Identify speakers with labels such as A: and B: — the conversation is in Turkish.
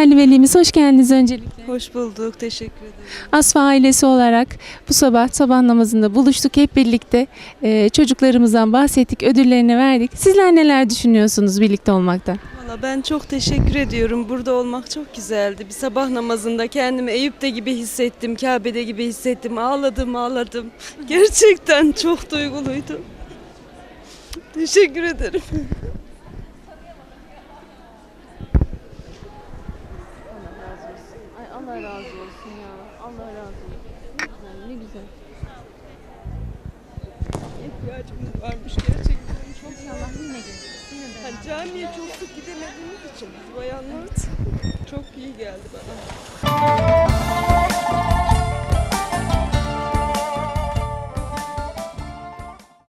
A: Değerli velimiz hoş geldiniz öncelikle.
B: Hoş bulduk, teşekkür ederim.
A: Asfa ailesi olarak bu sabah namazında buluştuk hep birlikte. Çocuklarımızdan bahsettik, ödüllerini verdik. Sizler neler düşünüyorsunuz birlikte olmaktan?
B: Valla ben çok teşekkür ediyorum. Burada olmak çok güzeldi. Bir sabah namazında kendimi Eyüp'te gibi hissettim, Kabe'de gibi hissettim. Ağladım. Gerçekten çok duyguluydu. Teşekkür ederim.
A: Allah razı olsun ya. Allah razı olsun. Ne güzel.
B: İhtiyacımız varmış gerçekten. Çok
A: İnşallah yine gelir.
B: hani camiye çok sık gidemediğimiz için biz bayanlar çok iyi geldi bana.